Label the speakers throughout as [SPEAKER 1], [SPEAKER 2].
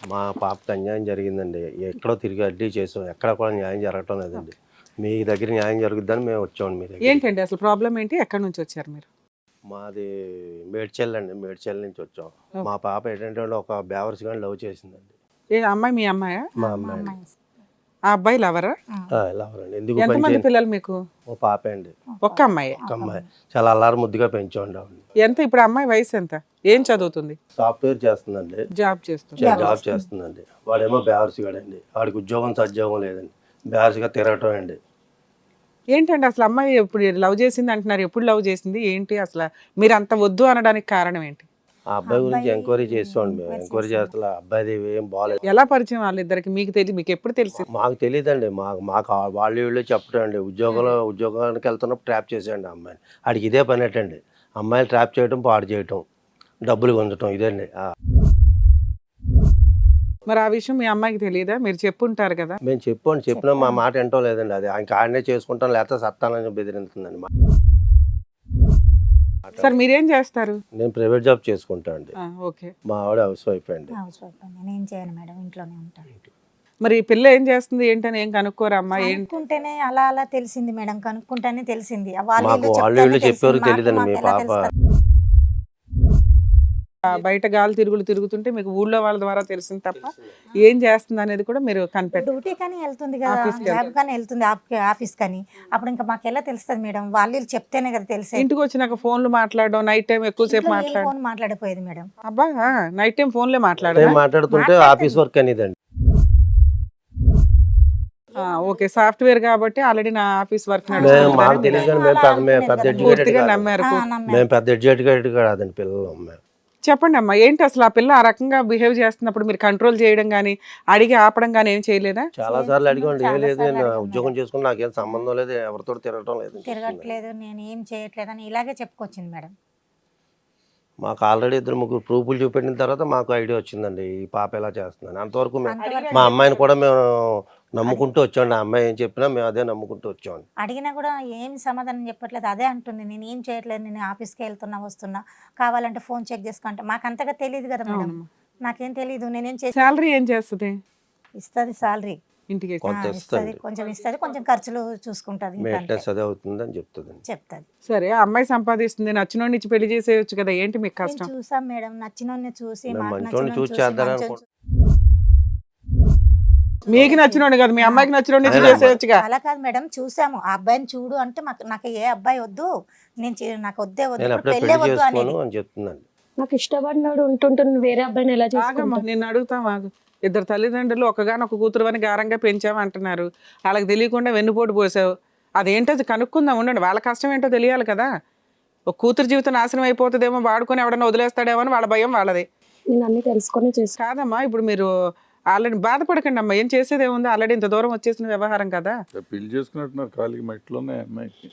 [SPEAKER 1] మా పాపకి అన్యాయం జరిగిందండి. ఎక్కడో తిరిగి అడ్డీ చేసాం. ఎక్కడ కూడా న్యాయం జరగటం లేదండి. మీ దగ్గర న్యాయం జరుగుద్దని మేము వచ్చామండి మీ దగ్గర.
[SPEAKER 2] ఏంటండి అసలు ప్రాబ్లం ఏంటి? ఎక్కడి నుంచి వచ్చారు మీరు?
[SPEAKER 1] మాది మేడ్చల్ అండి. మేడ్చల్ నుంచి వచ్చాం. మా పాప ఏంటంటే ఒక బేవర్స్ గాని లవ్ చేసిందండి.
[SPEAKER 2] ఏ అమ్మాయి మీ అమ్మాయా?
[SPEAKER 1] మా అమ్మాయి
[SPEAKER 2] ఆ అబ్బాయి లవరా?
[SPEAKER 1] లవరండి. ఎందుకు
[SPEAKER 2] ఎంతమంది పిల్లలు మీకు?
[SPEAKER 1] ఓ పాపే అండి.
[SPEAKER 2] ఒక్క అమ్మాయి?
[SPEAKER 1] ఒక అమ్మాయి. చాలా అల్లారు ముద్దుగా పెంచామండి ఆవిడ.
[SPEAKER 2] ఎంత ఇప్పుడు అమ్మాయి వయసు ఎంత? ఏం చదువుతుంది?
[SPEAKER 1] సాఫ్ట్వేర్ చేస్తుందండి.
[SPEAKER 2] జాబ్ చేస్తుంది.
[SPEAKER 1] జాబ్ చేస్తుందండి. వాడేమో బేవర్స్ గాడండి. వాడికి ఉద్యోగం సద్యోగం లేదండి. బేవర్స్గా తిరగటం అండి.
[SPEAKER 2] ఏంటండి అసలు అమ్మాయి ఇప్పుడు లవ్ చేసింది అంటున్నారు, ఎప్పుడు లవ్ చేసింది ఏంటి అసలు? మీరు అంత వద్దు అనడానికి కారణం ఏంటి?
[SPEAKER 1] ఆ అబ్బాయి గురించి ఎంక్వైరీ చేస్తామండి. మేము ఎంక్వైరీ చేస్తే అబ్బాయిది ఏం బాగాలేదు.
[SPEAKER 2] ఎలా పరిచయం వాళ్ళిద్దరికి? మీకు తెలియదు, మీకు ఎప్పుడు తెలిసింది?
[SPEAKER 1] మాకు తెలియదండి. మాకు వాళ్ళు వీళ్ళు చెప్పడం అండి. ఉద్యోగానికి వెళ్తున్నప్పుడు ట్రాప్ చేసేయండి ఆ అమ్మాయిని. ఆడికి ఇదే పని ఏంటండి, అమ్మాయిని ట్రాప్ చేయడం, పాడు చేయటం, డబ్బులు గుంజటం, ఇదండి.
[SPEAKER 2] మరి ఆ విషయం మీ అమ్మాయికి తెలియదా? మీరు చెప్పుంటారు కదా.
[SPEAKER 1] మేము చెప్పినా మా మాట వింటం లేదండి. అది ఇంకా ఆడనే చేసుకుంటాం, లేకపోతే సత్తానని బెదిరిస్తుందండి.
[SPEAKER 2] సార్ మీరేం చేస్తారు?
[SPEAKER 1] నేను ప్రైవేట్ జాబ్ చేసుకుంటా అండి.
[SPEAKER 2] ఓకే.
[SPEAKER 1] మా ఆవిడ హౌస్ వైఫ్ అండి.
[SPEAKER 3] నేను చేయను మేడం, ఇంట్లోనే ఉంటాను.
[SPEAKER 2] మరి ఈ పిల్ల ఏం చేస్తుంది ఏంటని ఏం కనుక్కోరా అమ్మా?
[SPEAKER 3] కనుక్కుంటేనే అలా తెలిసింది మేడం, కనుక్కుంటేనే తెలిసింది.
[SPEAKER 1] వాళ్ళు వీళ్ళు చెప్పేవారు తెలియదండి. మీ పాప
[SPEAKER 2] బయట గాలి తిరుగుతుంటే మీకు ఊళ్ళో వాళ్ళ ద్వారా తెలిసింది తప్ప ఏం చేస్తుంది అనేది కూడా మీరు కనిపెట్టారు.
[SPEAKER 3] డ్యూటీ కానీ వెళ్తుంది కదా, జాబ్ కానీ వెళ్తుంది, ఆఫీస్ కానీ. అప్పుడు ఇంకా మాకు ఎలా తెలుస్తుంది మేడం? వాళ్ళు చెప్తేనే కదా తెలిసేది.
[SPEAKER 2] ఇంటికి వచ్చినాక ఫోన్లు మాట్లాడడం, నైట్ టైం ఎక్కువసేపు
[SPEAKER 3] ఫోన్ మాట్లాడిపోయేది మేడం.
[SPEAKER 2] అబ్బా, నైట్ టైం ఫోన్లే
[SPEAKER 1] మాట్లాడుతుంటే ఆఫీస్ వర్క్ అనేదండి.
[SPEAKER 2] ఓకే, సాఫ్ట్వేర్ కాబట్టి ఆల్రెడీ నా ఆఫీస్ వర్క్
[SPEAKER 1] మాకు తెలియదు కానీ మేము పెద్ద ఎడ్యుకేటెడ్
[SPEAKER 2] నమ్మారు.
[SPEAKER 1] మేము పెద్ద ఎడ్యుకేటెడ్ కాదండి పిల్లలు.
[SPEAKER 2] చెప్పండి అమ్మా, ఏంటి అసలు ఆ పిల్ల ఆ రకంగా బిహేవ్ చేస్తున్నప్పుడు మీరు కంట్రోల్ చేయడం కానీ అడిగి ఆపడం కానీ ఏం చేయలేదా?
[SPEAKER 1] చాలా సార్లు అడిగండి. ఏం లేదు, నేను ఉద్యోగం చేసుకుని నాకేం సంబంధం లేదు, ఎవరితో
[SPEAKER 3] తిరగట్లేదు, నేను ఏం చేయట్లేదు అని ఇలాగే చెప్పుకొచ్చింది మేడం.
[SPEAKER 1] మాకు ఆల్రెడీ 2-3 ప్రూఫ్లు చూపెట్టిన తర్వాత మాకు ఐడియా వచ్చిందండి ఈ పాప ఎలా చేస్తుందని. అంతవరకు మా అమ్మాయిని కూడా మేము నమ్ముకుంటూ వచ్చామండి. ఆ అమ్మాయి ఏం చెప్పినా మేము అదే నమ్ముకుంటూ వచ్చామండి.
[SPEAKER 3] అడిగినా కూడా ఏం సమాధానం చెప్పట్లేదు, అదే అంటుంది. నేను ఏం చేయట్లేదు, నేను ఆఫీస్కి వస్తున్నా, కావాలంటే ఫోన్ చెక్ చేసుకుంటా. మాకు అంతగా తెలియదు కదా మేడం, నాకేం తెలియదు. నేనేం చేసి
[SPEAKER 2] శాలరీ ఏం చేస్తుంది?
[SPEAKER 3] ఇస్తుంది సాలరీ,
[SPEAKER 2] ఇంటికి
[SPEAKER 1] కొంచెం
[SPEAKER 3] ఇస్తుంది, కొంచెం ఖర్చులు చూసుకుంటది,
[SPEAKER 1] చెప్తుంది.
[SPEAKER 2] సరే, ఆ అమ్మాయి సంపాదిస్తుంది, నచ్చినోడిని ఇచ్చి పెళ్లి చేసేయచ్చు కదా, ఏంటి మీకు కష్టం?
[SPEAKER 3] చూసాం మేడం, నచ్చినోడిని చూసి
[SPEAKER 2] మీకు నచ్చినోడు కదా, మీ అమ్మాయికి నచ్చినోడిని ఇచ్చి చేసేయచ్చుగా.
[SPEAKER 3] అలా కాదు మేడం, చూసాము ఆ అబ్బాయిని చూడు అంటే నాకు ఏ అబ్బాయి వద్దు, నాకు వద్దే వద్దు, పెళ్ళే వద్దు అని
[SPEAKER 1] చెప్తున్నాను.
[SPEAKER 4] నాకు ఇష్టపడినాడు ఉంటుంటుంది, వేరే అబ్బాయిని ఎలా
[SPEAKER 2] చేసుకుంటా? నేను అడుగుతాను, ఇద్దరు తల్లిదండ్రులు ఒకగానొక కూతురు అని గారంగా పెంచాము అంటున్నారు, వాళ్ళకి తెలియకుండా వెన్నుపోటు పోసావు, అదేంటో కనుక్కుందాం, ఉండండి. వాళ్ళ కష్టం ఏంటో తెలియాలి కదా. ఒక కూతురు జీవితం నాశనం అయిపోతుందేమో, వాడుకొని ఎవడన్నా వదిలేస్తాడేమో అని వాళ్ళ భయం వాళ్ళది.
[SPEAKER 4] నేను అన్ని తెలుసుకొని చేసి
[SPEAKER 2] కాదమ్మా, ఇప్పుడు మీరు ఆల్రెడీ బాధపడకండి అమ్మా, ఏం చేసేది ఏముంది, ఆల్రెడీ ఇంత దూరం వచ్చేసిన వ్యవహారం కదా.
[SPEAKER 5] పెళ్లి చేసుకున్నట్టున్నారు ఖాళీగా మట్టిలోనే అమ్మాయికి.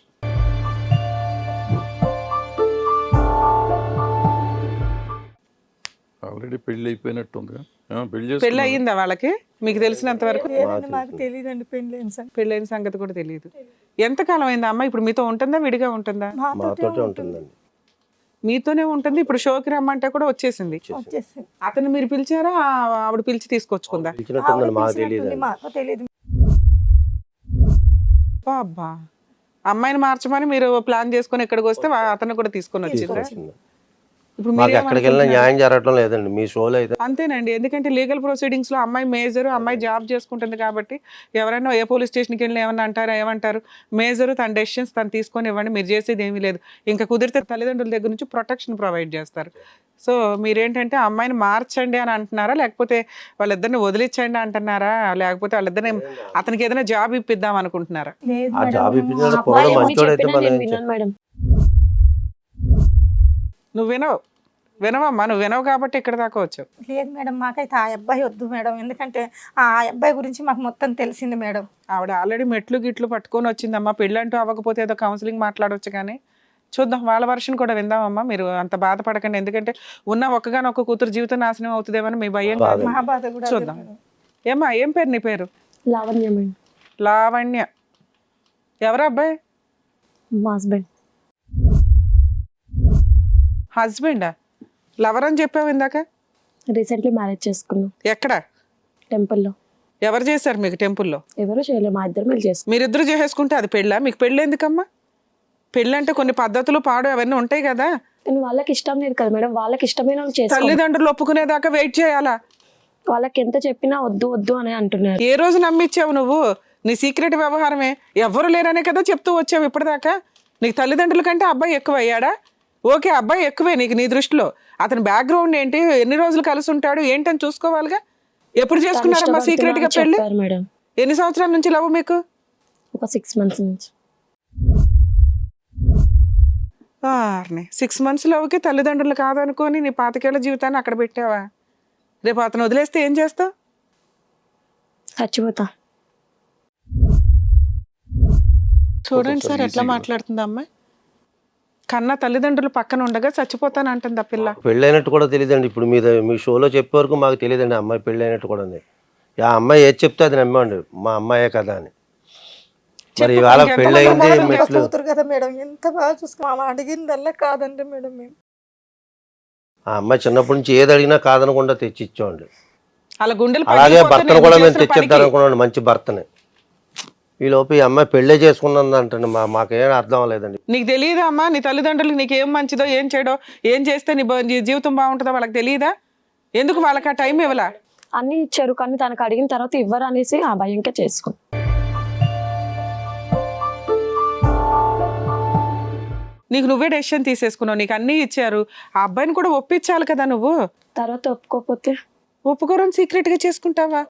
[SPEAKER 5] ఆల్రెడీ పెళ్లి అయిపోయినట్టుంది.
[SPEAKER 2] పెళ్లి అయ్యిందా వాళ్ళకి? మీకు తెలిసినంత వరకు
[SPEAKER 3] మాకు తెలియదండి,
[SPEAKER 2] పెళ్ళైన సంగతి కూడా తెలియదు. ఎంతకాలం అయిందా అమ్మ? ఇప్పుడు మీతో ఉంటుందా, విడిగా ఉంటుందా? మీతోనే ఉంటుంది. ఇప్పుడు షోకి రమ్మంటే కూడా వచ్చేసింది. అతను మీరు పిలిచారా, ఆవిడ పిలిచి తీసుకొచ్చుకుందా? అబ్బా, అమ్మాయిని మార్చమని మీరు ప్లాన్ చేసుకుని ఇక్కడికి వస్తే అతను కూడా తీసుకొని వచ్చిందా? ఇప్పుడు మీరు
[SPEAKER 1] ఎక్కడికి వెళ్ళినా న్యాయం జరగడం లేదండి మీ షోలో అయితే.
[SPEAKER 2] అంతేనండి, ఎందుకంటే లీగల్ ప్రొసీడింగ్స్ లో అమ్మాయి మేజర్, అమ్మాయి జాబ్ చేసుకుంటుంది కాబట్టి ఎవరైనా ఏ పోలీస్ స్టేషన్కి వెళ్ళి ఏమన్నా అంటారా, ఏమంటారు? మేజర్ తన డెసిషన్స్ తను తీసుకొని ఇవ్వండి, మీరు చేసేది ఏమీ లేదు. ఇంకా కుదిరితే తల్లిదండ్రుల దగ్గర నుంచి ప్రొటెక్షన్ ప్రొవైడ్ చేస్తారు. సో మీరేంటంటే అమ్మాయిని మార్చండి అని అంటున్నారా, లేకపోతే వాళ్ళిద్దరిని వదిలించండి అంటున్నారా, లేకపోతే వాళ్ళిద్దరిని అతనికి ఏదైనా జాబ్ ఇప్పిద్దాం అనుకుంటున్నారా? నువ్వు వినవమ్మా, నువ్వు వినవు కాబట్టి ఇక్కడ దాకా వచ్చావు.
[SPEAKER 3] లేదు మేడం, మాకైతే ఆ అబ్బాయి వద్దు మేడం, ఎందుకంటే ఆ అబ్బాయి గురించి మాకు మొత్తం తెలిసింది మేడం.
[SPEAKER 2] ఆవిడ ఆల్రెడీ మెట్లు గిట్లు పట్టుకొని వచ్చిందమ్మా. పెళ్ళంటూ అవ్వకపోతే ఏదో కౌన్సిలింగ్ మాట్లాడవచ్చు కానీ చూద్దాం, వాళ్ళ వర్షన్ కూడా విందామమ్మా. మీరు అంత బాధపడకండి, ఎందుకంటే ఉన్న ఒక్కగానొక్క కూతురు జీవితం నాశనం అవుతుందేమని మీ భయం కాదు. చూద్దాం. ఏమ్మా, ఏం పేరు నీ పేరు?
[SPEAKER 4] లావణ్య.
[SPEAKER 2] లావణ్య. ఎవరు అబ్బాయి?
[SPEAKER 4] మా హస్బెండ్.
[SPEAKER 2] హస్బెండా? లవర్ అని చెప్పావు ఇందాక.
[SPEAKER 4] రీసెంట్లీ మ్యారేజ్ చేసుకున్నాం
[SPEAKER 2] ఎక్కడ?
[SPEAKER 4] టెంపుల్లో.
[SPEAKER 2] ఎవరు చేశారు మీకు టెంపుల్లో?
[SPEAKER 4] ఎవరు చేయలేదు, మా ఇద్దరు మీరు చేసుకున్నాం.
[SPEAKER 2] మీరిద్దరు చేసేసుకుంటే అది పెళ్ళా? మీకు పెళ్ళి ఎందుకమ్మా? పెళ్ళి అంటే కొన్ని పద్ధతులు పాడు అవన్నీ ఉంటాయి కదా.
[SPEAKER 4] కానీ వాళ్ళకి ఇష్టం లేదు కదా మేడం, వాళ్ళకి ఇష్టమైన వాళ్ళు చేసుకోవాలి.
[SPEAKER 2] తల్లిదండ్రులు ఒప్పుకునేదాకా వెయిట్ చేయాలా?
[SPEAKER 4] వాళ్ళకి ఎంత చెప్పినా వద్దు వద్దు అని అంటున్నారు.
[SPEAKER 2] ఏ రోజు నమ్మిచ్చావు నువ్వు? నీ సీక్రెట్ వ్యవహారమే. ఎవ్వరు లేరనే కదా చెప్తూ వచ్చావు ఇప్పటిదాకా. నీకు తల్లిదండ్రుల కంటే అబ్బాయి ఎక్కువ అయ్యాడా? ఓకే, అబ్బాయి ఎక్కువే నీకు, నీ దృష్టిలో. అతని బ్యాక్గ్రౌండ్ ఏంటి, ఎన్ని రోజులు కలిసి ఉంటాడు ఏంటని చూసుకోవాలిగా. ఎప్పుడు చేసుకున్నారమ్మా సీక్రెట్ గా పెళ్లి?
[SPEAKER 4] మేడం
[SPEAKER 2] ఎన్ని సంవత్సరాల నుంచి లవ్ మీకు?
[SPEAKER 4] ఒక 6 months నుంచి.
[SPEAKER 2] 6 months లవ్కి తల్లిదండ్రులు కాదనుకొని నీ 25 ఏళ్ల జీవితాన్ని అక్కడ పెట్టావా? రేపు అతను వదిలేస్తే ఏం చేస్తావు?
[SPEAKER 4] చచ్చిపోతా.
[SPEAKER 2] చూడండి సార్ ఎట్లా మాట్లాడుతుంది అమ్మాయి. కన్నా తల్లిదండ్రులు పక్కన ఉండగా చచ్చిపోతాను అంటుంది ఆ పిల్ల.
[SPEAKER 1] పెళ్ళైనట్టు కూడా తెలియదండి. ఇప్పుడు మీ షోలో చెప్పే వరకు మాకు తెలియదండి అమ్మాయి పెళ్ళైనట్టు కూడా ఉంది. ఆ అమ్మాయి ఏది చెప్తే అది నమ్మండి, మా అమ్మాయే కదా అని. మరి ఇవాళ పెళ్ళయింది మెట్లు.
[SPEAKER 3] కూతురు కదా మేడం, ఎంత బాగా చూసుకున్నాం. అడిగిందల్లా కాదండి మేడం మేము.
[SPEAKER 1] ఆ అమ్మాయి చిన్నప్పటి నుంచి ఏది అడిగినా కాదనకుండా తెచ్చి ఇచ్చామండి.
[SPEAKER 2] అలా గుండెలు
[SPEAKER 1] అలాగే
[SPEAKER 2] పగిలిపోతే
[SPEAKER 1] భర్తను
[SPEAKER 2] నేను
[SPEAKER 1] కూడా మేము
[SPEAKER 2] చేసిన
[SPEAKER 1] తెచ్చిద్దాం
[SPEAKER 2] పనికి.
[SPEAKER 1] అనుకున్నాం, మంచి భర్తని. ఈ లోపు ఈ అమ్మాయి పెళ్ళే చేసుకున్నది అంటండి. మాకేం అర్థం అవ్వలేదండి.
[SPEAKER 2] నీకు తెలియదా అమ్మా నీ తల్లిదండ్రులకు నీకు ఏం మంచిదో ఏం చేయడో, ఏం చేస్తే నీ జీవితం బాగుంటుందో వాళ్ళకి తెలియదా? ఎందుకు వాళ్ళకి ఆ టైం ఇవ్వలా?
[SPEAKER 4] అన్ని ఇచ్చారు కానీ తనకు అడిగిన తర్వాత ఇవ్వరు అనేసి ఆ భయంకే చేసుకున్నాం.
[SPEAKER 2] నీకు నువ్వే డెసిషన్ తీసేసుకున్నావు, నీకు అన్నీ ఇచ్చారు. ఆ అబ్బాయిని కూడా ఒప్పించాలి కదా నువ్వు.
[SPEAKER 4] తర్వాత ఒప్పుకోకపోతే
[SPEAKER 2] ఒప్పుకోరని సీక్రెట్ గా చేసుకుంటావా?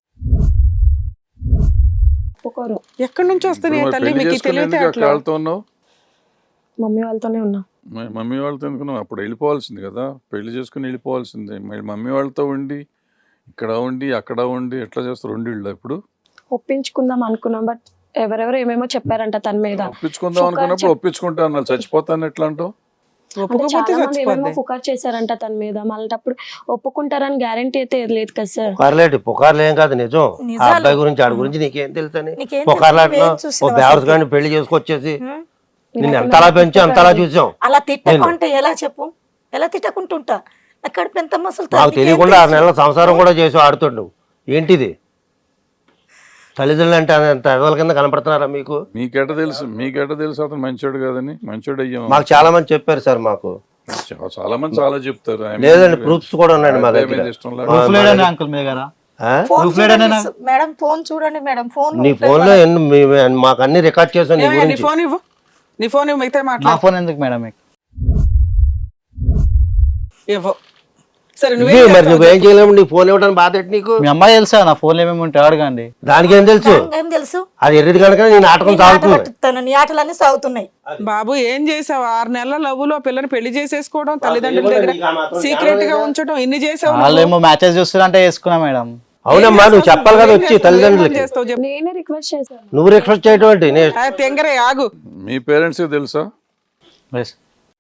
[SPEAKER 4] ఒప్పుకోరు.
[SPEAKER 2] ఎక్కడి నుంచి వస్తున్నాయి
[SPEAKER 5] మరి
[SPEAKER 2] తల్లి
[SPEAKER 5] పెళ్లి
[SPEAKER 2] మీకు
[SPEAKER 5] చేసుకుని
[SPEAKER 2] తెలియతే
[SPEAKER 5] ఎందుకు
[SPEAKER 2] అట్లా?
[SPEAKER 5] వాళ్ళతో ఉన్నావు?
[SPEAKER 4] మమ్మీ వాళ్ళతోనే ఉన్నా.
[SPEAKER 5] మమ్మీ వాళ్ళతో ఎందుకున్నావు? అప్పుడు వెళ్ళిపోవాల్సింది కదా, పెళ్లి చేసుకుని వెళ్ళిపోవాల్సిందే. మళ్ళీ మమ్మీ వాళ్ళతో ఉండి ఇక్కడ ఉండి అక్కడ ఉండి ఎట్లా చేస్తారు? 2 ఇళ్ళు ఇప్పుడు
[SPEAKER 4] ఒప్పించుకుందాం అనుకున్నాం, బట్ ఎవరెవరు ఏమేమో చెప్పారంట తన మీద.
[SPEAKER 5] ఒప్పించుకుందాం అనుకున్నప్పుడు ఒప్పించుకుంటా అన్నారు, చచ్చిపోతాను ఎట్లా అంటావు?
[SPEAKER 4] అంటే
[SPEAKER 2] ఒప్పుకోకపోతే
[SPEAKER 4] చాలా మంది ఏమేమో
[SPEAKER 2] చచ్చిపోద్ది.
[SPEAKER 4] ఫుకార్ చేశారంట తన మీద. మళ్ళీ అప్పుడు ఒప్పుకుంటారని గ్యారంటీ అయితే లేదు కదా సార్.
[SPEAKER 1] పుకార్లేటి పుకార్లు ఏం కాదు, నిజం. ఆ
[SPEAKER 3] నిజాలు.
[SPEAKER 1] అబ్బాయి గురించి ఆడి గురించి నీకేం తెలుసని
[SPEAKER 3] నీకేం
[SPEAKER 1] పుకార్లాట్లో
[SPEAKER 3] తెలుసు? నువ్వేం చూసినావు
[SPEAKER 1] ఓ బేవర్స్
[SPEAKER 3] అసలు?
[SPEAKER 1] గాని పెళ్లి చేసుకొచ్చేసి నిన్ను ఎంతలా పెంచి అంతలా చూసాం.
[SPEAKER 3] అలా తిట్టకుంటే ఎలా చెప్పు? ఎలా తిట్టకుంటుంటా? నా కడుపు ఎంత మసలు
[SPEAKER 1] మాకు తెలియకుండా 6 నెలల సంసారం కూడా చేసి ఆడుతుండు. ఏంటిది? తల్లిదండ్రులు అంటే అంత ఎదవల కింద కనపడుతున్నారా మీకు?
[SPEAKER 5] మీకెట తెలుసు అతను మంచోడు కాదని? మంచోడు అయ్యాము.
[SPEAKER 1] మాకు చాలా మంది చెప్పారు సార్. మాకు
[SPEAKER 5] చాలా మంది చాలా చెప్తారు.
[SPEAKER 1] లేదండి, ప్రూఫ్స్ కూడా ఉన్నాయండి మా దగ్గర.
[SPEAKER 5] ఇష్టం
[SPEAKER 1] ఆ?
[SPEAKER 3] మేడం ఫోన్ చూడండి మేడం. ఫోన్
[SPEAKER 1] నీ ఫోన్ లో మాకు అన్ని రికార్డ్ చేసాం నీ
[SPEAKER 2] ఏమయ్యా, నీ
[SPEAKER 1] గురించి.
[SPEAKER 2] ఫోన్ ఇవ్వు, నీ ఫోన్ ఇవ్వు, మిగతా
[SPEAKER 6] నా
[SPEAKER 2] మాట్లాడు.
[SPEAKER 6] ఫోన్ ఎందుకు మేడం మీకు?
[SPEAKER 2] ఇవ్వు. సరే
[SPEAKER 1] ఇవే మరి నువ్వేం చేయలేము, నీ ఫోన్ ఇవ్వడానికి బాధ ఏంటి నీకు?
[SPEAKER 6] మీ అమ్మాయి తెలుసా నా ఫోన్ ఏమేమి ఉంటాయి అడగండి.
[SPEAKER 1] దానికి ఏం తెలుసు?
[SPEAKER 3] ఏం తెలుసు?
[SPEAKER 1] అది ఎర్రిది కనుక నీ నాటకం సాగుతుంది.
[SPEAKER 3] పట్టుతాను, నీ ఆటలన్నీ సాగుతున్నాయి.
[SPEAKER 2] బాబు ఏం చేసావు? 6 నెలల లవ్వులో పిల్లని పెళ్లి చేసేసుకోవడం, తల్లిదండ్రుల దగ్గర సీక్రెట్ గా ఉంచడం, ఇన్ని చేసావు.
[SPEAKER 6] వాళ్ళు ఏమో మ్యాచెస్ చూస్తున్నారంటే వేసుకున్నా మేడం.
[SPEAKER 1] అవునమ్మా, నువ్వు చెప్పాలి కదా వచ్చి తల్లిదండ్రులకి.
[SPEAKER 2] చేస్తావు చెప్పు.
[SPEAKER 4] నేనే రిక్వెస్ట్ చేశాను.
[SPEAKER 1] నువ్వు రిక్వెస్ట్ చేయటం ఏంటి?
[SPEAKER 2] తెంగరే ఆగు.
[SPEAKER 5] మీ పేరెంట్స్ తెలుసా?
[SPEAKER 6] Yes.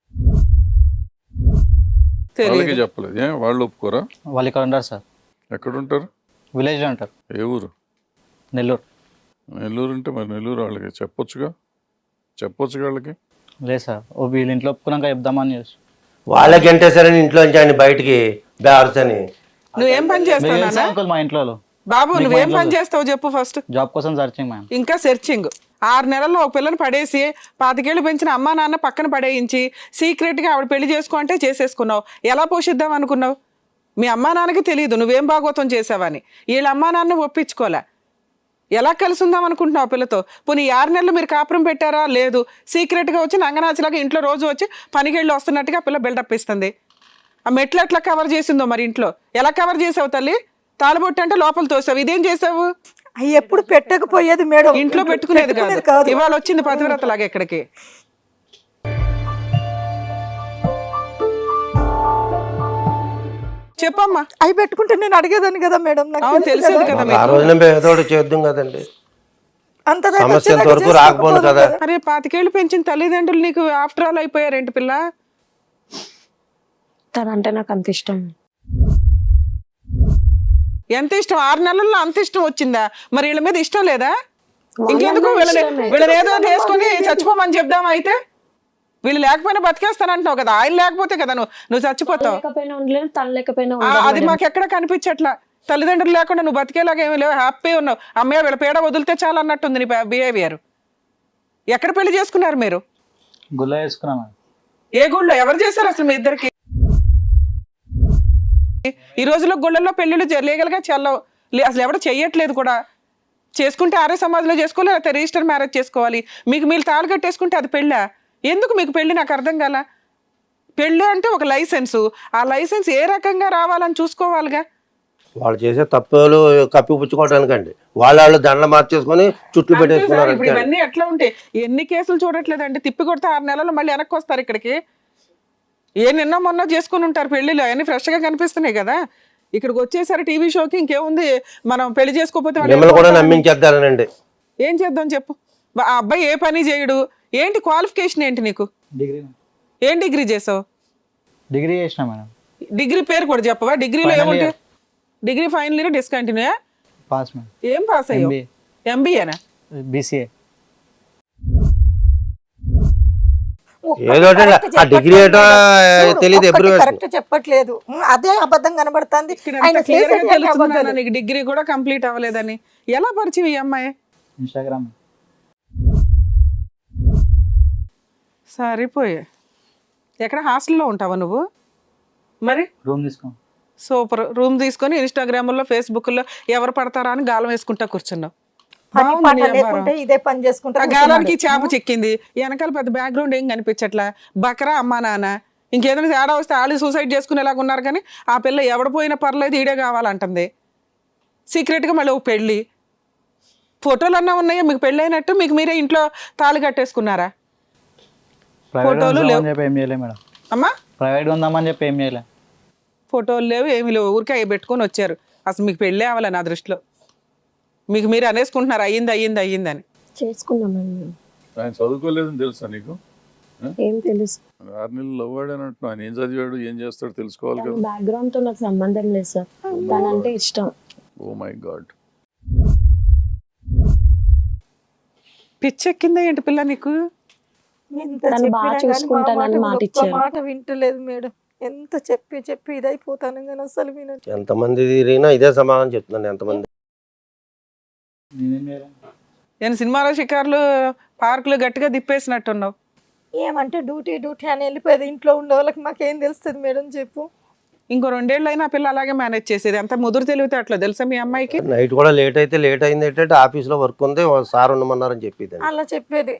[SPEAKER 5] వాళ్ళకి చెప్పలేదు. ఏం వాళ్ళు ఒప్పుకోరా?
[SPEAKER 6] వాళ్ళు ఇక్కడ ఉంటారు సార్,
[SPEAKER 5] ఎక్కడ ఉంటారు?
[SPEAKER 6] విలేజ్లో ఉంటారు.
[SPEAKER 5] ఏ ఊరు?
[SPEAKER 6] నెల్లూరు.
[SPEAKER 5] నెల్లూరు అంటే మరి నెల్లూరు వాళ్ళకి చెప్పొచ్చుగా వాళ్ళకి.
[SPEAKER 6] లేదు సార్, ఓ వీళ్ళ ఇంట్లో ఒప్పుకున్నాక చెప్దామని చేసి.
[SPEAKER 1] వాళ్ళకి ఎంటేసారని ఇంట్లో నుంచి ఆయన బయటికి బేవర్స్ అని.
[SPEAKER 2] నువ్వేం పని చేస్తావు నాన్న?
[SPEAKER 6] అంకుల్ మా ఇంట్లో
[SPEAKER 2] బాబు నువ్వేం పని చేస్తావు చెప్పు ఫస్ట్.
[SPEAKER 6] జాబ్ కోసం సర్చింగ్ మ్యామ్.
[SPEAKER 2] ఇంకా సెర్చింగ్. 6 నెలల్లో ఒక పిల్లని పడేసి 25 ఏళ్ళు పెంచిన అమ్మా నాన్న పక్కన పడేయించి సీక్రెట్గా ఆవిడ పెళ్లి చేసుకో అంటే చేసేసుకున్నావు. ఎలా పోషిద్దాం అనుకున్నావు? మీ అమ్మా నాన్నకి తెలియదు నువ్వేం భాగోతం చేసావని. వీళ్ళ అమ్మా నాన్న ఒప్పించుకోలే. ఎలా కలిసి ఉందాం అనుకుంటున్నావు ఆ పిల్లతో? పోనీ 6 నెలలు మీరు కాపురం పెట్టారా? లేదు. సీక్రెట్గా వచ్చి నంగనాచిలాగా ఇంట్లో రోజు వచ్చి పనికెళ్ళి వస్తున్నట్టుగా ఆ పిల్ల బిల్డప్ ఇస్తుంది. ఆ మెట్లు ఎట్లా కవర్ చేసిందో మరి ఇంట్లో. ఎలా కవర్ చేసావు తల్లి? తాళబొట్టు అంటే లోపల తోసావు. ఇదేం చేసావు?
[SPEAKER 3] అవి ఎప్పుడు పెట్టకపోయేది మేడం.
[SPEAKER 2] ఇంట్లో పెట్టుకునేది కాదు. ఇవాళ వచ్చింది పతివ్రత లాగా ఎక్కడికి. చెప్పమ్మా.
[SPEAKER 3] అవి పెట్టుకుంటే నేను అడిగేదాన్ని కదా మేడం. నాకు
[SPEAKER 2] అవును,
[SPEAKER 3] తెలుసు
[SPEAKER 2] తెలిసేది
[SPEAKER 3] కదా.
[SPEAKER 2] కదా
[SPEAKER 1] ఆ
[SPEAKER 2] మీకు.
[SPEAKER 1] రోజున మేము ఏదో ఒకటి చేద్దాం కదండి.
[SPEAKER 3] అంత దాకా
[SPEAKER 1] సమస్య
[SPEAKER 3] వచ్చేదాకా
[SPEAKER 1] ఎంతవరకు రాకపోను కదా.
[SPEAKER 2] అరే 25 ఏళ్ళు పెంచిన తల్లిదండ్రులు నీకు ఆఫ్టర్ ఆల్ అయిపోయారేంటి పిల్ల?
[SPEAKER 4] తనంటే నాకు అంత ఇష్టం.
[SPEAKER 2] ఎంత ఇష్టం? 6 నెలల్లో అంత ఇష్టం వచ్చిందా? మరి వీళ్ళ మీద ఇష్టం లేదా?
[SPEAKER 4] వాళ్ళ
[SPEAKER 2] ఇంకెందుకు
[SPEAKER 4] మీద
[SPEAKER 2] వీళ్ళని
[SPEAKER 4] ఇష్టమే.
[SPEAKER 2] వీళ్ళని ఏదో చేసుకొని చచ్చిపోమని చెప్దామా అయితే? వీళ్ళు లేకపోయినా బతికేస్తానంటున్నావు కదా, ఆయన లేకపోతే కదా నువ్వు చచ్చిపోతావు.
[SPEAKER 4] లేకపోయినా ఉండలేదు, తను లేకపోయినా
[SPEAKER 2] అది మాకు ఎక్కడ కనిపించట్లా. తల్లిదండ్రులు లేకుండా నువ్వు బతికేలాగా ఏమీ లేవు, హ్యాపీ ఉన్నావు. అమ్మయ్య వీళ్ళ పేడ వదిలితే చాలా అన్నట్టుంది నీ బిహేవియర్. ఎక్కడ పెళ్లి చేసుకున్నారు మీరు?
[SPEAKER 6] గుల్ల వేసుకున్నాం మేడం.
[SPEAKER 2] ఏ గుళ్ళో ఎవరు చేశారు అసలు మీ ఇద్దరికి? ఈ రోజుల్లో గుళ్ళల్లో పెళ్లిళ్ళు లీగల్ గా చెల్లవు, అసలు ఎవరు చెయ్యట్లేదు కూడా. చేసుకుంటే ఆర్య సమాజంలో చేసుకోవాలి, లేకపోతే రిజిస్టర్ మ్యారేజ్ చేసుకోవాలి. మీకు మీరు తాళి కట్టేసుకుంటే అది పెళ్ళా? ఎందుకు మీకు పెళ్లి? నాకు అర్థం కాల. పెళ్ళి అంటే ఒక లైసెన్సు, ఆ లైసెన్స్ ఏ రకంగా రావాలని చూసుకోవాలిగా.
[SPEAKER 1] వాళ్ళు చేసే తప్పులు కప్పిపుచ్చుకోవడానికండి వాళ్ళు దండలు మార్చేసుకొని చుట్టూ పెట్టేసుకున్నారు.
[SPEAKER 2] ఇప్పుడు ఇవన్నీ ఎట్లా ఉంటాయి? ఎన్ని కేసులు చూడట్లేదండి, తిప్పి కొడితే 6 నెలలు మళ్ళీ వెనక్కి వస్తారు ఇక్కడికి. నిన్న మొన్న చేసుకుని ఉంటారు పెళ్లిలో, అవన్నీ ఫ్రెష్ గా కనిపిస్తున్నాయి కదా. ఇక్కడికి వచ్చేసరి టీవీ షోకి ఇంకేముంది, మనం పెళ్లి చేసుకోకపోతే
[SPEAKER 1] మిమ్మల్ని కూడా నమ్మించేద్దానండి.
[SPEAKER 2] ఏం చేద్దాం చెప్పు. ఆ అబ్బాయి ఏ పని చేయడు. ఏంటి క్వాలిఫికేషన్ ఏంటి నీకు?
[SPEAKER 6] డిగ్రీ
[SPEAKER 2] ఏం డిగ్రీ చేసావు?
[SPEAKER 6] డిగ్రీ చేసిన మేడం.
[SPEAKER 2] డిగ్రీ పేరు కూడా చెప్పవా? డిగ్రీలో
[SPEAKER 6] Final
[SPEAKER 2] ఏముంటాయి?
[SPEAKER 6] year.
[SPEAKER 2] Degree final year discontinue.
[SPEAKER 6] Pass madam.
[SPEAKER 2] ఏం పాస్ అయ్యావు? ఎంబీఏనా?
[SPEAKER 6] బీసీఏ.
[SPEAKER 1] ఏదో ఆ డిగ్రీ ఏటో తెలియదు, ఎప్పుడు
[SPEAKER 7] కరెక్ట్ చెప్పట్లేదు, అదే అబద్ధం కనబడుతుంది.
[SPEAKER 2] నీకు డిగ్రీ కూడా కంప్లీట్ అవ్వలేదని ఎలా పరిచయం ఈ అమ్మాయి?
[SPEAKER 6] ఇన్స్టాగ్రామ్.
[SPEAKER 2] సరిపోయే. ఎక్కడ హాస్టల్లో ఉంటావా నువ్వు? మరి
[SPEAKER 6] రూమ్ తీసుకో.
[SPEAKER 2] సూపర్. రూమ్ తీసుకొని ఇన్స్టాగ్రామ్లో ఫేస్బుక్లో ఎవరు పడతారా అని గాలం వేసుకుంటా కూర్చున్నావు.
[SPEAKER 7] పని పాట లేకుంటే ఇదే పని చేసుకుంటా
[SPEAKER 2] ఆ గాలానికి చేప చెక్కింది, వెనకాల పెద్ద బ్యాక్గ్రౌండ్ ఏం కనిపించట్లా. బకరా అమ్మా నాన్న. ఇంకేదైనా తేడా వస్తే వాళ్ళు సూసైడ్ చేసుకునేలాగా ఉన్నారు. కానీ ఆ పిల్ల ఎవడ పోయినా పర్లేదు, ఈడే కావాలంటుంది. సీక్రెట్గా మళ్ళీ ఒక పెళ్ళి. ఫోటోలు అన్నా ఉన్నాయా మీకు పెళ్ళి అయినట్టు? మీకు మీరే ఇంట్లో తాళి కట్టేసుకున్నారా? ఫోటోలు లేవు
[SPEAKER 6] ఏం చేయలే మేడం.
[SPEAKER 2] అమ్మా,
[SPEAKER 6] ప్రైవేట్గా ఉందామని చెప్పి ఏం చేయలే.
[SPEAKER 2] ఫోటోలు లేవు, ఏమి లేవు, ఊరికే అవి పెట్టుకొని వచ్చారు. అసలు మీకు పెళ్ళే అవ్వాలి నా దృష్టిలో. మీకు మీరు అనేసుకుంటున్నారు అయ్యింది అయ్యింది అయ్యిందని.
[SPEAKER 4] చేసుకున్నామండి మేము.
[SPEAKER 5] ఆయన చదువుకోలేదని తెలుసా నీకు?
[SPEAKER 4] ఏం తెలుసు?
[SPEAKER 5] 6 నెలలు లవ్వాడు అని అంటున్నావు. ఆయన ఏం చదివాడు, ఏం చేస్తాడు తెలుసుకోవాలి కదా.
[SPEAKER 4] బ్యాక్గ్రౌండ్ తో నాకు సంబంధం లేదు సార్, తనంటే ఇష్టం.
[SPEAKER 5] Oh my God.
[SPEAKER 2] పిచ్చెక్కిందా ఏంటి పిల్ల నీకు?
[SPEAKER 7] ఎంత
[SPEAKER 4] తను
[SPEAKER 7] చెప్పినా
[SPEAKER 4] బాగా
[SPEAKER 7] కానీ
[SPEAKER 4] చూసుకుంటానని
[SPEAKER 7] మా
[SPEAKER 4] మాట
[SPEAKER 7] ఒక్క
[SPEAKER 4] ఇచ్చారు.
[SPEAKER 7] మాట వింటలేదు మేడం. ఎంత చెప్పి ఇదైపోతాను కానీ అసలు వినట్లేదు.
[SPEAKER 1] ఎంతమంది తిరిగినా ఇదే సమాధానం చెప్తున్నాను. ఎంతమంది
[SPEAKER 6] నేనేం చేయలే.
[SPEAKER 2] నేను సినిమాలో షికార్లు పార్కులు గట్టిగా దిప్పేసినట్టున్నావు.
[SPEAKER 7] ఏమంటే డ్యూటీ అని వెళ్ళిపోయేది. ఇంట్లో ఉండే వాళ్ళకి మాకేం తెలుస్తుంది మేడం చెప్పు.
[SPEAKER 2] ఇంకో 2 ఏళ్ళు అయినా పిల్ల అలాగే మేనేజ్ చేసేది. అంత ముదురు తెలివితే అట్లా తెలుసా మీ అమ్మాయికి?
[SPEAKER 1] నైట్ కూడా లేట్ అయితే లేట్ అయింది ఏంటంటే ఆఫీస్లో వర్క్ ఉంది, సార్ ఉండమన్నారని చెప్పేది.
[SPEAKER 7] అలా చెప్పేది.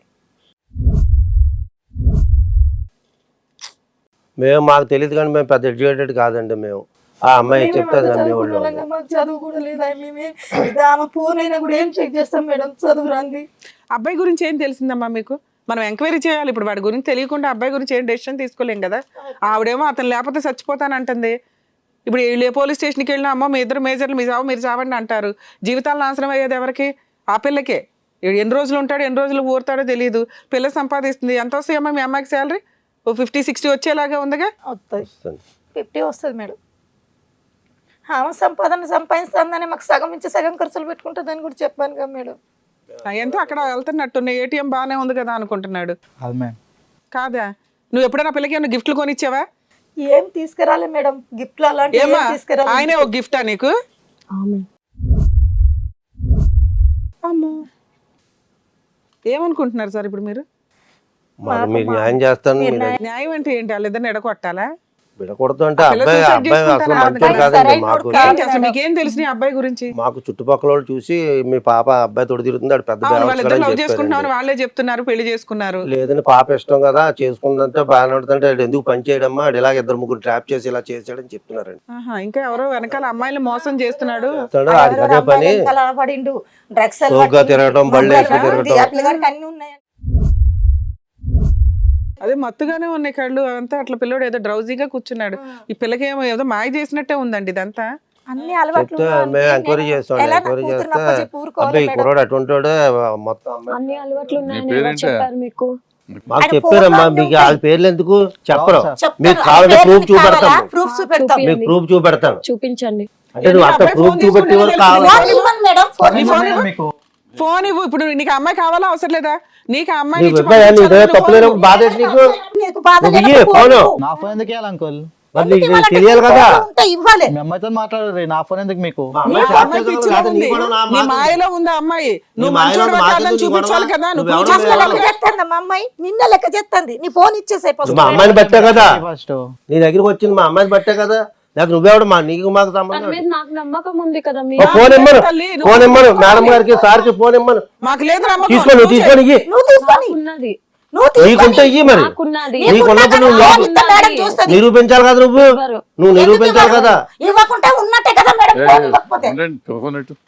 [SPEAKER 1] మాకు తెలియదు కానీ మేము పెద్ద ఎడ్యుకేటెడ్ కాదండి. మేము ఆ అమ్మాయి చెప్తే అది నమ్మేవాళ్ళు.
[SPEAKER 7] మాకు చదువు కూడా లేదా. మేమే ఆమె ఫోన్ అయినా కూడా ఏం చెక్ చేస్తాం మేడం, చదువు రాంది.
[SPEAKER 2] అబ్బాయి గురించి ఏం తెలిసిందమ్మా మీకు? మనం ఎంక్వైరీ చేయాలి. ఇప్పుడు వాడి గురించి తెలియకుండా అబ్బాయి గురించి ఏం డెసిషన్ తీసుకోలేం కదా. ఆవిడేమో అతను లేకపోతే చచ్చిపోతానంటుంది. ఇప్పుడు వీళ్ళు పోలీస్ స్టేషన్కి వెళ్ళినా అమ్మ మీ ఇద్దరు మేజర్లు మీ చావు మీరు చావండి అంటారు. జీవితాలు నాశనం అయ్యేది ఎవరికి? ఆ పిల్లకే. ఎన్ని రోజులు ఉంటాడో ఎన్ని రోజులు ఊరుతాడో తెలియదు. పిల్ల సంపాదిస్తుంది. ఎంత వస్తాయమ్మా మీ అమ్మాయికి శాలరీ? 50-60 వచ్చేలాగా ఉందిగా.
[SPEAKER 7] వస్తుంది 50 వస్తుంది మేడం. ఆమె సంపాదిస్తుందని మాకు సగం ఇచ్చి సగం ఖర్చులు పెట్టుకుంటుందని కూడా చెప్పాను కదా మేడం.
[SPEAKER 2] ఎంత అక్కడ వెళ్తున్నట్టున్నాయి. ఏటీఎం బాగానే ఉంది కదా అనుకుంటున్నాడు.
[SPEAKER 6] అది మేడం.
[SPEAKER 2] కాదా? నువ్వు ఎప్పుడైనా పిల్లకి ఏమైనా గిఫ్ట్లు కొనిచ్చావా?
[SPEAKER 7] ఏం తీసుకురాలే మేడం, గిఫ్ట్లు అలాంటి
[SPEAKER 2] ఏమా
[SPEAKER 7] తీసుకురాలే.
[SPEAKER 2] ఆయనే ఒక గిఫ్టా నీకు? అమ్మో, ఏమనుకుంటున్నారు సార్ ఇప్పుడు మీరు?
[SPEAKER 1] మీరు న్యాయం చేస్తాను.
[SPEAKER 2] న్యాయం అంటే ఏంటి? వాళ్ళిద్దరిని ఎడగొట్టాలా?
[SPEAKER 1] విడకూడదు అంటే అబ్బాయి అసలు మంచోడు కాదండి. మాకు
[SPEAKER 2] అసలు మీకేం తెలుసు నీ అబ్బాయి గురించి?
[SPEAKER 1] మాకు చుట్టుపక్కల వాళ్ళు చూసి మీ పాప అబ్బాయి తోడు తిరుగుతుంది, అది పెద్ద
[SPEAKER 2] వాళ్ళిద్దరు లవ్ చేసుకుంటున్నామని వాళ్ళే చెప్తున్నారు, పెళ్లి చేసుకున్నారు.
[SPEAKER 1] లేదని పాప ఇష్టం కదా చేసుకుందంటే బాగానే ఉంటుందంటే ఎందుకు పని చేయడమ్మా, అది ఇలాగ 2-3 ట్రాప్ చేసి ఇలా చేసాడని చెప్తున్నారండి.
[SPEAKER 2] ఇంకా ఎవరో వెనకాల అమ్మాయిలు మోసం చేస్తున్నాడు.
[SPEAKER 1] అది అదే పని
[SPEAKER 7] పడిండు, డ్రగ్స్
[SPEAKER 1] తిరగడం, బళ్ళు వేసుకు తిరగడం.
[SPEAKER 7] అన్ని ఉన్నాయి.
[SPEAKER 2] అదే మత్తుగానే ఉన్నాయి కళ్ళు అంతా. అట్లా పిల్లడు ఏదో డ్రౌజీగా కూర్చున్నాడు. ఈ పిల్లకి ఏమో ఏదో మాయ చేసినట్టే ఉందండి ఇదంతా.
[SPEAKER 7] అన్ని అలవాట్లు
[SPEAKER 1] చెప్తే మేము ఎంక్వైరీ చేస్తాం. ఎంక్వైరీ చేస్తే అబ్బాయి కుర్రాడు అటువంటి మొత్తం
[SPEAKER 4] అన్ని అలవాట్లు ఉన్నాయని ఎవరు చెప్పారు మీకు?
[SPEAKER 1] మాకు చెప్పారమ్మా. మీకు వాళ్ళ పేర్లు ఎందుకు చెప్పరు? మీకు కావాలంటే ప్రూఫ్ చూపెడతాం.
[SPEAKER 7] ప్రూఫ్ చూపెడతాం.
[SPEAKER 1] మీకు ప్రూఫ్ చూపెడతాను.
[SPEAKER 4] చూపించండి.
[SPEAKER 1] అంటే నువ్వు అంత ప్రూఫ్ చూపెట్టి వరకు కావాలి.
[SPEAKER 2] ఫోన్ ఇవ్వు. ఇప్పుడు నీకు అమ్మాయి కావాలా అవసరం లేదా? నీకు ఆ అమ్మాయి
[SPEAKER 1] నీకు
[SPEAKER 2] ఇచ్చి
[SPEAKER 1] ఇవ్వయా? నీ
[SPEAKER 2] పంపించాలి, నువ్వు
[SPEAKER 1] తప్పులేనప్పుడు
[SPEAKER 2] ఫోన్
[SPEAKER 1] బాధ ఏంటి నీకు?
[SPEAKER 3] నీకు బాధ
[SPEAKER 1] నువ్వు ఇయ్యి,
[SPEAKER 3] లేనప్పుడు
[SPEAKER 1] ఫోను.
[SPEAKER 3] ఫోన్
[SPEAKER 6] నా ఫోన్ ఎందుకు ఇవ్వాలి అంకుల్?
[SPEAKER 1] మరి
[SPEAKER 3] ఎందుకు
[SPEAKER 1] నీకు
[SPEAKER 3] ఇవ్వాలంటే
[SPEAKER 1] తెలియాలి కదా.
[SPEAKER 3] ఫోన్ ఉంటే ఇవ్వాలి.
[SPEAKER 6] మీ అమ్మాయితో మాట్లాడరు, నా ఫోన్ ఎందుకు మీకు?
[SPEAKER 1] మా అమ్మాయి
[SPEAKER 2] ఆ
[SPEAKER 1] చాట్
[SPEAKER 2] అమ్మాయి
[SPEAKER 1] చేస్తుంది
[SPEAKER 2] పిచ్చిలో
[SPEAKER 1] కదా, నీ
[SPEAKER 2] ఉంది.
[SPEAKER 1] కూడా నా
[SPEAKER 2] నీ
[SPEAKER 1] మాట ఉంది.
[SPEAKER 2] మాయలో ఉంది ఆ అమ్మాయి. నువ్వు
[SPEAKER 1] మాయలో
[SPEAKER 2] మంచోడు
[SPEAKER 1] మాట
[SPEAKER 2] కాదని
[SPEAKER 1] ఉంది,
[SPEAKER 2] చూపించాలి
[SPEAKER 1] గొడవ.
[SPEAKER 2] కదా, నువ్వు
[SPEAKER 1] నువ్వు
[SPEAKER 2] ప్రూవ్
[SPEAKER 1] ఎవడో
[SPEAKER 2] చేసుకోవాలి
[SPEAKER 3] లెక్క
[SPEAKER 2] కదా.
[SPEAKER 3] చేస్తుంది మా అమ్మాయి, నిన్న లెక్క చేస్తుంది. నీ ఫోన్ ఇచ్చేసాయి
[SPEAKER 1] మా అమ్మాయిని బట్టే కదా
[SPEAKER 6] ఫస్ట్
[SPEAKER 1] నీ దగ్గరికి వచ్చింది, మా అమ్మాయిని బట్టే కదా. లేకపోతే నువ్వెవడు మా నీకు మాకు
[SPEAKER 4] తన
[SPEAKER 1] సంబంధం
[SPEAKER 4] మీద నాకు నమ్మకం ఉంది కదా మీ
[SPEAKER 1] ఓ ఫోన్ ఇమ్మను,
[SPEAKER 2] తల్లి, నువ్వు
[SPEAKER 1] ఫోన్ ఇమ్మను,
[SPEAKER 2] తీసుకోవాలి.
[SPEAKER 1] మేడం గారికి సార్కి ఫోన్ ఇమ్మను.
[SPEAKER 2] మాకు లేదు నమ్మకం.
[SPEAKER 1] తీసుకో, నువ్వు తీసుకొని ఇయ్యి.
[SPEAKER 3] నువ్వు తీసుకొని
[SPEAKER 4] ఉన్నది
[SPEAKER 3] నువ్వు
[SPEAKER 1] నీకుంటే ఇయ్యి మరి.
[SPEAKER 4] నాకున్నది
[SPEAKER 1] నీకున్నప్పుడు నువ్వు
[SPEAKER 3] ఫోన్ ఇస్తే మేడం చూస్తుంది.
[SPEAKER 1] నిరూపించాలి కదా, నువ్వు
[SPEAKER 4] ఎవరు?
[SPEAKER 1] నువ్వు నిరూపించాలి కదా.
[SPEAKER 3] ఇవ్వకుంటే ఉన్నట్టే కదా మేడం, ఫోన్ ఇవ్వకపోతే.
[SPEAKER 5] ఉండండి, ఫోన్ ఎటు?